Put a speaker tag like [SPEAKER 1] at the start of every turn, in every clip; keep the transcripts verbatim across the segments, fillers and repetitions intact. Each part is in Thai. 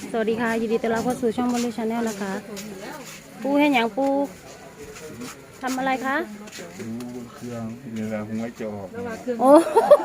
[SPEAKER 1] สวัสดีค่ะยินดีต้อนรับเข้าสู่ช่องบอลลูชาแนลนะคะปูให้หยังปูทำอะไรคะ
[SPEAKER 2] ดูเครื่องนี่แหละหัวจะออก
[SPEAKER 1] โอ้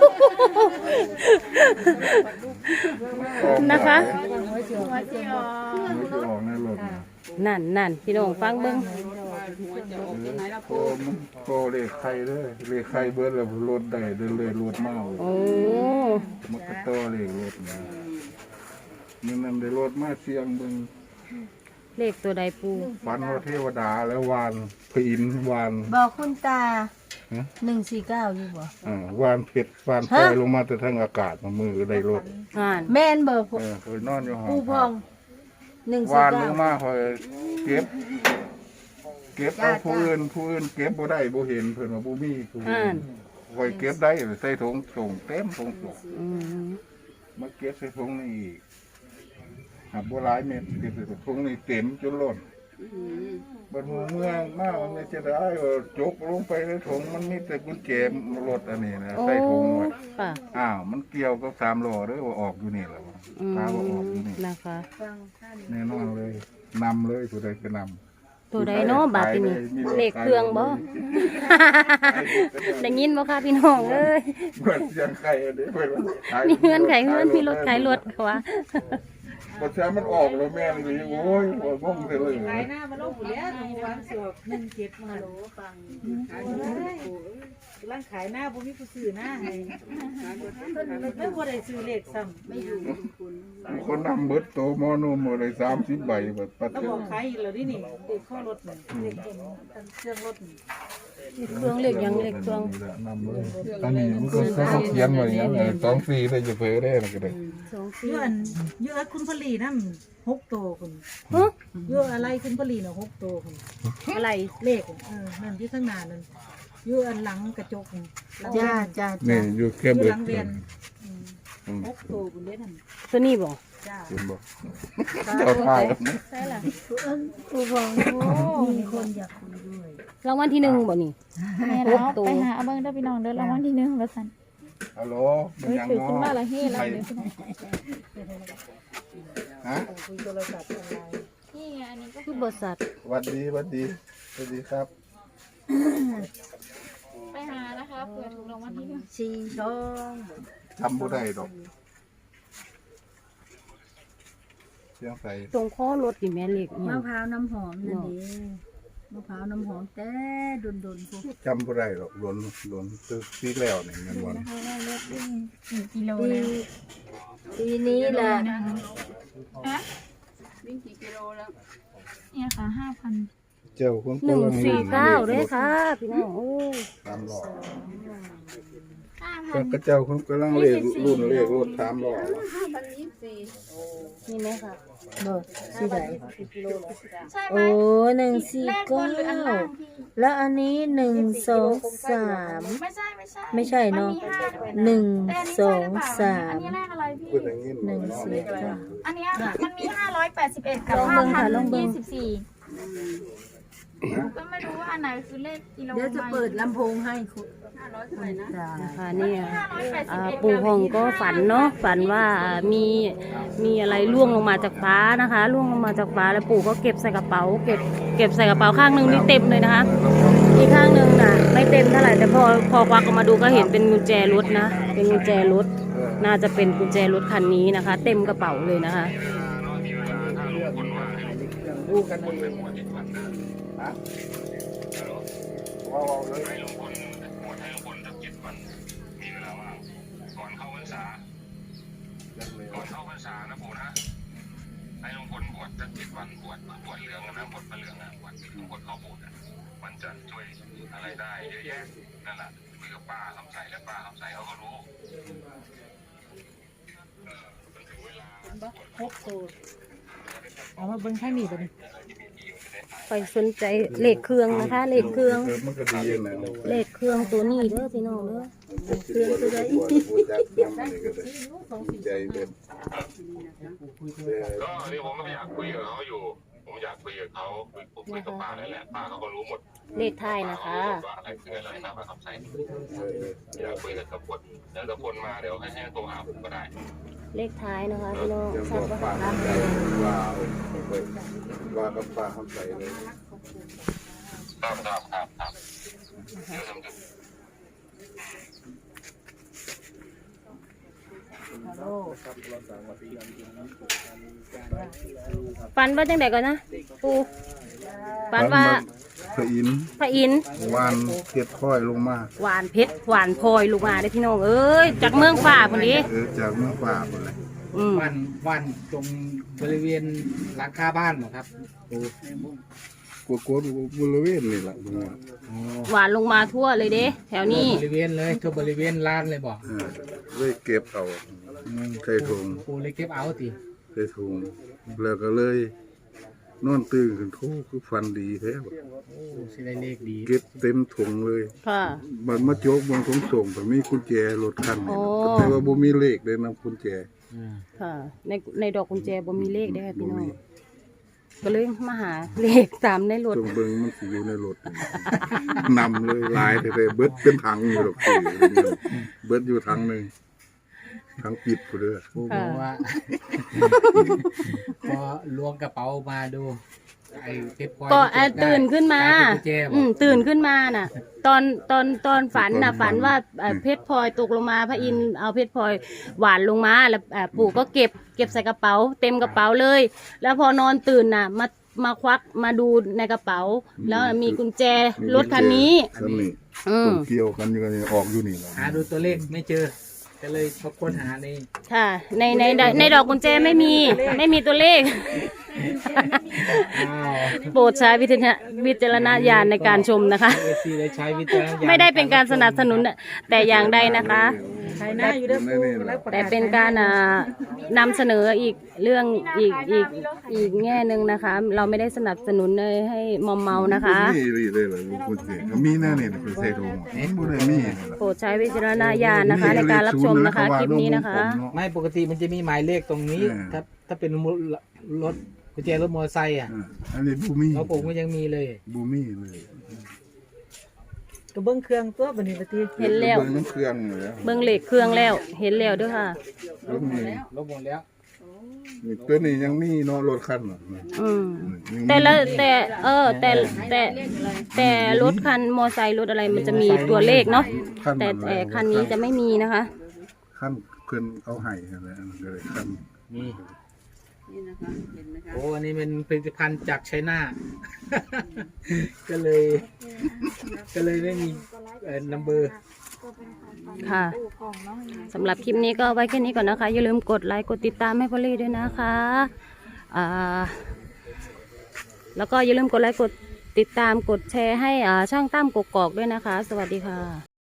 [SPEAKER 1] นะคะ
[SPEAKER 2] หัวจะออกในรถ
[SPEAKER 1] นั่นนั่นพี่น้องฟังเบิ้ง
[SPEAKER 2] โอ้มันโตเลยไข่เลยเลยไข่เบิร์ดแล้วรถได้เดินเลยรถเมา
[SPEAKER 1] โอ้
[SPEAKER 2] มันก็โตเลยรถนะนี่นั่นได้รถมาเสียงเบิ้ง
[SPEAKER 1] เลขตัวใดปู
[SPEAKER 2] ฝันว่าเทวดาแล้ววานพินวาน
[SPEAKER 3] บอกคุณตาหนึ่งสี่เก้าอยู่บ่
[SPEAKER 2] อ่าวานเพชรวานปล่อยลงมาแต่ทั้งอากาศมามือได้รถ
[SPEAKER 1] แม่
[SPEAKER 3] นเบอร์
[SPEAKER 2] เออเคยนอนอยู่ห้อง
[SPEAKER 3] ปูพองหนึ่งสี่
[SPEAKER 2] วานล
[SPEAKER 3] เก้าง
[SPEAKER 2] มาคอยเก็บเก็บเอาผู้อื่นผู้อื่นเก็บบ่ได้บ่เห็นเพิ่นว่าบ่มีผู้อื่นคอยเก็บได้ใส่ถุงส่งเต็มถุงส่งมาเก็บใส่ถุงนี่อีกหาบ่หลายเม็ดเก็บใส่ถุงนี่เต็มจนล้นบัดหัวเมืองมามันไม่จะได้ว่าจกลงไปในถุงมันมีแต่กุญแจรถอันนี้นะใส่ถุงไว้อ้าวมันเกี่ยวกับสามล้อเด้อว่าออกอยู่นี่แหละตาว่าออกอยู่นี่
[SPEAKER 1] นะคะ
[SPEAKER 2] แน่นอนเลยนำเลยผู้ใดก็นำ
[SPEAKER 1] ตัวใดเนาะบาทนี่เลขเครื่องบ่ได้ยินบ่ค่ะพี่น้องเอ้ย
[SPEAKER 2] เปิดเสียงไข่เด้เปิด
[SPEAKER 1] มีเงินไขเงินมีรถขายรถเขาว่า
[SPEAKER 2] พอใช้มันออกแล้วแม่เลยโอ้ยโอ้ยงงเลย
[SPEAKER 3] ขายหน้ามาลงอยู่แล้ววางสอบหนึ่งเจ็ดมาโหลฟังขายร้านขายหน้าบ่มีผู้ซื้อหน้าให้เพิ่นไม่บ่ได้ซื้อเลขซ้ำไม่อยู่
[SPEAKER 2] คนนำเบิดโตมอนมอะไรสามสิบใบแบบปัด
[SPEAKER 3] แล้วบอกขายอีกแล้วนี่นี่เลขข้อรถนี่เลขเครื่องรถนี่
[SPEAKER 1] เครื่องเลขยังเลขเครื่อง
[SPEAKER 2] นำเลยอันนี้มันก็เขาเขียนไว้อย่างนี้สองสี่ได้จะเผยได้มันก็ได้
[SPEAKER 3] เยอะเยอะคุณผลีนั่นหกโตคุณเยอะอะไรคุณผลีน่ะหกโตคุณ
[SPEAKER 1] อะไร
[SPEAKER 3] เลขเออนั่นที่ข้างหน้านั่นอยู่อันหลังกระจกจ้าจ้า
[SPEAKER 2] นี่อยู่แค่เบิด
[SPEAKER 3] หลังเวียนหกโตคุณเด้นั่น
[SPEAKER 1] ตัวนี้บ่
[SPEAKER 3] จ้า
[SPEAKER 2] เห็นบ่เจ้าทาย
[SPEAKER 3] ใช่ล่ะกูบอกมีคนอยากคุยด้วย
[SPEAKER 1] รางวัลที่หนึ่งบ่นี่
[SPEAKER 4] หกตัวไปหาเบิ้งได้พี่น้องเด้อรางวัลที่หนึ่งว่าซั่น
[SPEAKER 2] ฮัลโหล
[SPEAKER 4] เฮ้ยถือขึ้นมาละเฮ้ละเดี๋ยวพี่น้อง
[SPEAKER 2] ฮะ
[SPEAKER 3] คุยโทรศัพท์อะไร
[SPEAKER 4] นี่ไงอันนี้ก็
[SPEAKER 1] คือบริษัท
[SPEAKER 2] สวัสดีสวัสดีสวัสดีครับ
[SPEAKER 4] ไปหานะคะเผื่อถูกรางวัลที่หนึ่ง
[SPEAKER 3] สี่ทอง
[SPEAKER 2] ทำบ่ได้ดอกเสียงใส่
[SPEAKER 1] ตรงข้อรถนี่แม่เล็ก
[SPEAKER 3] มะพร้าวน้ำหอมนั่นเองมะพร้าวน้ำหอมแต่ดนดนพวก
[SPEAKER 2] จำบ่ได้หรอกหลนหลนซื้อซีกแล้วนี่เงินวัน
[SPEAKER 4] สี่กิโลแล้ว
[SPEAKER 3] ปีนี้แหละ
[SPEAKER 4] ฮะวิ่งกี่กิโลแล้วเนี่ยค่ะห้าพัน
[SPEAKER 2] เจ้าคน
[SPEAKER 1] หนึ่งสี่เก้าด้วยค่ะพี่น้องโอ้
[SPEAKER 2] ตามหลอกก็เจ้าคนกำลังเลขรุ่นเลขรถตามหลอก
[SPEAKER 1] นี่ไหมคะ
[SPEAKER 3] เบอร์สี่ไหน
[SPEAKER 4] โอ้
[SPEAKER 3] หนึ่งสี่เก้าแล้วอันนี้หนึ่งสองสาม
[SPEAKER 4] ไม่ใช่ไม่ใช่
[SPEAKER 3] ไม่ใช่เนาะหนึ่งสองสาม
[SPEAKER 4] อันนี้เลขอะไรพี่
[SPEAKER 3] หนึ่งสี่เก้า
[SPEAKER 4] อันนี้มันมีห้าร้อยแปดสิบเอ็ดกับห้าพันยี่สิบสี่ก็ไม่รู้ว่าอันไหนคือเลขกิโล
[SPEAKER 3] เดี๋ยวจะเปิดลำโพงให้คุณ
[SPEAKER 1] นะคะนี่ปู่พองก็ฝันเนาะฝันว่ามีมีอะไรล่วงลงมาจากฟ้านะคะล่วงลงมาจากฟ้าแล้วปู่ก็เก็บใส่กระเป๋าเก็บเก็บใส่กระเป๋าข้างหนึ่งนี่เต็มเลยนะคะอีกข้างหนึ่งน่ะไม่เต็มเท่าไหร่แต่พอพอควักออกมาดูก็เห็นเป็นกุญแจรถนะเป็นกุญแจรถน่าจะเป็นกุญแจรถคันนี้นะคะ เต็มกระเป๋าเลยนะคะ
[SPEAKER 2] ว้าวเลย
[SPEAKER 5] ให้ลุงพลบวชให้ลุงพลสักเจ็ดวันมีเวลาว่างก่อนเข้าพรรษาก่อนเข้าพรรษานะปู่นะให้ลุงพลบวชสักเจ็ดวันบวชบวชเหลืองนะบวชพระเหลืองนะบวชลุงพลเข้าโบสถ์มันจะช่วยอะไรได้เยอะแยะนั่นแหละคุยกับป้าคำใสและป้าคำใสเขาก็รู้เออมันถึงเวลา
[SPEAKER 3] หกตัวเอามาเบิ้งข้างนี้ไปดิ
[SPEAKER 1] ไปสนใจเลขเครื่องนะคะเลขเครื่องเลขเครื่องตัวนี้เด้อพี่น้องเด้อเครื่องตัวใด
[SPEAKER 2] ใจเด่น
[SPEAKER 5] ก็นี่ผมก็อยากคุยกับเขาอยู่ผมผมอยากคุยกับเขาคุยคุยกับป้านั่นแหละป้าเขาก็รู้หมด
[SPEAKER 1] เลขท้ายนะคะ
[SPEAKER 5] ว่าอะไรคืออะไรนะป้าคำใสอยากคุยกับตะพลเดี๋ยวตะพลมาเดี๋ยวให้ให้โทรหาผมก็ได้
[SPEAKER 1] เลขท้ายนะคะพี่น้อง
[SPEAKER 2] จะบ
[SPEAKER 1] ชั
[SPEAKER 2] อ
[SPEAKER 1] ด
[SPEAKER 2] ก
[SPEAKER 1] ปะ
[SPEAKER 2] ป้า
[SPEAKER 1] คะ
[SPEAKER 2] คำใสว่าไปว่ากับป้าคำใสเลย
[SPEAKER 5] ครับครับครับครับเดี๋ยวทำกัน
[SPEAKER 1] ฝันว่าจังไดก่อนนะปูฝันว่า
[SPEAKER 2] พระอินทร์
[SPEAKER 1] พระอินทร์
[SPEAKER 2] วานเก็บค่อยลงมา
[SPEAKER 1] หวานเพชรหวานพลอยลูกมาได้อพี่น้องเอ้ยจากเมืองฝ่าคนนี้
[SPEAKER 2] เออจากเมืองป่าหมดเลย
[SPEAKER 1] อืม
[SPEAKER 6] วันวันตรงบริเวณหลังคาบ้านเหรอครับปู
[SPEAKER 2] กลัวกลัวบริเวณนี่แหละตรงนี้
[SPEAKER 6] อ๋อ
[SPEAKER 1] หวานลงมาทั่วเลยเด้แถวนี้
[SPEAKER 6] บริเวณเลยทั่วบริเวณลานเลยบอก
[SPEAKER 2] เออเลยเก็บเอาใส่ถุง
[SPEAKER 6] ปูเลยเก็บเอาติ
[SPEAKER 2] ใส่ถุงแล้วก็เลยนอนตื่นขึ้นโทคือฟันดีแท้บ่
[SPEAKER 6] โอ้สิได้เลขดี
[SPEAKER 2] เก็บเต็มถุงเลย
[SPEAKER 1] ค่ะ
[SPEAKER 2] มันมาโจกบนถุงส่งแต่มีกุญแจรถคันนี่
[SPEAKER 1] โอ้
[SPEAKER 2] แต่ว่าบ่มีเลขเลยนะกุญแจ
[SPEAKER 6] อ่า
[SPEAKER 1] ค่ะ ในในดอกกุญแจบ่มีเลขได้อค่ะ
[SPEAKER 2] บ่
[SPEAKER 1] พี่น้อง
[SPEAKER 2] มี
[SPEAKER 1] ก็เลยมาหาเลขตามในรถ
[SPEAKER 2] จงเบิ่งมันสิอยู่ในรถนี่นำเลยหลายแต่เบิดเป็นถังอยู่ดอกคือเบิดอยู่ถังหนึงถังปิดพุ่นเด้อ
[SPEAKER 6] ปูบอกว่า พอล้วงกระเป๋ามาดูไอ้เพชรพลอย
[SPEAKER 1] ก็
[SPEAKER 6] ที่
[SPEAKER 1] เอ่อ
[SPEAKER 6] เบได้
[SPEAKER 1] ตื่นขึ้นมา
[SPEAKER 6] กลยเป็นกุญแจบ
[SPEAKER 1] อื
[SPEAKER 6] อก
[SPEAKER 1] มตื่นขึ้นมาน่ะ ตอนตอนตอนฝันน่ะฝันว่าเอ่อเพชรพลอยตกลงมาพระอินทร์เอาเพชรพลอยหวานลงมาแล้วเอ่อปู่ก็เก็บเก็บใส่กระเป๋า เต็มกระเป๋าเลย แล้วพอนอนตื่นน่ะมามาควักมาดูในกระเป๋า แล้วมีกุญแจรถคันนี้
[SPEAKER 2] คันนี้
[SPEAKER 1] อืม
[SPEAKER 2] เกี่ยวกันอยู่กันนี่ออกอยู่นี่แหละ
[SPEAKER 6] หาดูตัวเลขไม่เจอ ก็เลยมาค้นหาใน
[SPEAKER 1] ค่ะ ในในในในดอกกุญแจไม่มี ไม่มีตัวเลข
[SPEAKER 6] อ้าว
[SPEAKER 1] โปรดใช้วิจารณวิจารณญาณในการชมนะคะ
[SPEAKER 6] เอซีได้ใช้วิจารณญาณ
[SPEAKER 1] ไม่ได้เป็นการสนับสนุนแต่อย่างใดนะคะ
[SPEAKER 3] ขายหน้าอยู่เด้อปูแล้วระ
[SPEAKER 1] แต่
[SPEAKER 3] กาศ
[SPEAKER 1] เป็นการอ่านำเสนออีกเรื่องอีกอีกอีกแง่หนึ่งนะคะ เราไม่ได้สนับสนุนเลยให้มอมเมานะคะ
[SPEAKER 2] มีเลยเลยเลยกุญแจก็มีแน่นี่ไปใส่ถุงเห็นบ่ได้มีนี่ล่ะ
[SPEAKER 1] โปรดใช้วิจารณญาณนะคะ ในการรับชมนะคะคลิปนี้นะคะ
[SPEAKER 6] ไม่ปกติมันจะมีหมายเลขตรงนี้
[SPEAKER 2] เออ
[SPEAKER 6] ถ้าถ้าเป็นรถกุญแจรถมอเตอร์ไซค์อ่ะ
[SPEAKER 2] อ่าอันนี้บ่มี
[SPEAKER 6] แล้วผมก็ยังมีเลย
[SPEAKER 2] บ่มีเลย
[SPEAKER 3] ก็เบิ่งเครื่องตัวบัดนี้บัดนี้
[SPEAKER 1] เห็นแล้ว
[SPEAKER 2] เบิ่งน้ำเครื่องอยู่แล้ว
[SPEAKER 1] เบิ้งเหล็กเครื่องแล้วเห็นแล้วด้วยค่ะ
[SPEAKER 2] รถมี
[SPEAKER 6] ลบหมดแล้ว
[SPEAKER 2] นี่ตัวนี้ยังมีเนาะรถคันน่ะ
[SPEAKER 1] อืม
[SPEAKER 2] ยังมี
[SPEAKER 1] แต่ละแต่เออแต่แต่แต่รถคันมอไซค์รถอะไรมันจะมีตัวเลขเนาะ
[SPEAKER 2] คัน
[SPEAKER 1] แต่แต่คันนี้จะไม่มีนะคะ
[SPEAKER 2] คันเพิ่นเอาให้นั่นแหละอันนั้นก็เลยคัน
[SPEAKER 6] นี่
[SPEAKER 4] นี่นะคะเห็นไหมคะ
[SPEAKER 6] โอ้อันนี้เป็นผลิตภัณฑ์จากไชน่า ก็เลย ก็เลยไม่มีเอ่อนัมเบอร์
[SPEAKER 1] ค่ะสำหรับคลิปนี้ก็ไว้แค่นี้ก่อนนะคะ อย่าลืมกดไลค์กดติดตามให้พอลลี่ด้วยนะคะอ่าแล้วก็อย่าลืมกดไลค์กดติดตามกดแชร์ให้อ่าช่างตั้มกกอกด้วยนะคะ สวัสดีค่ะ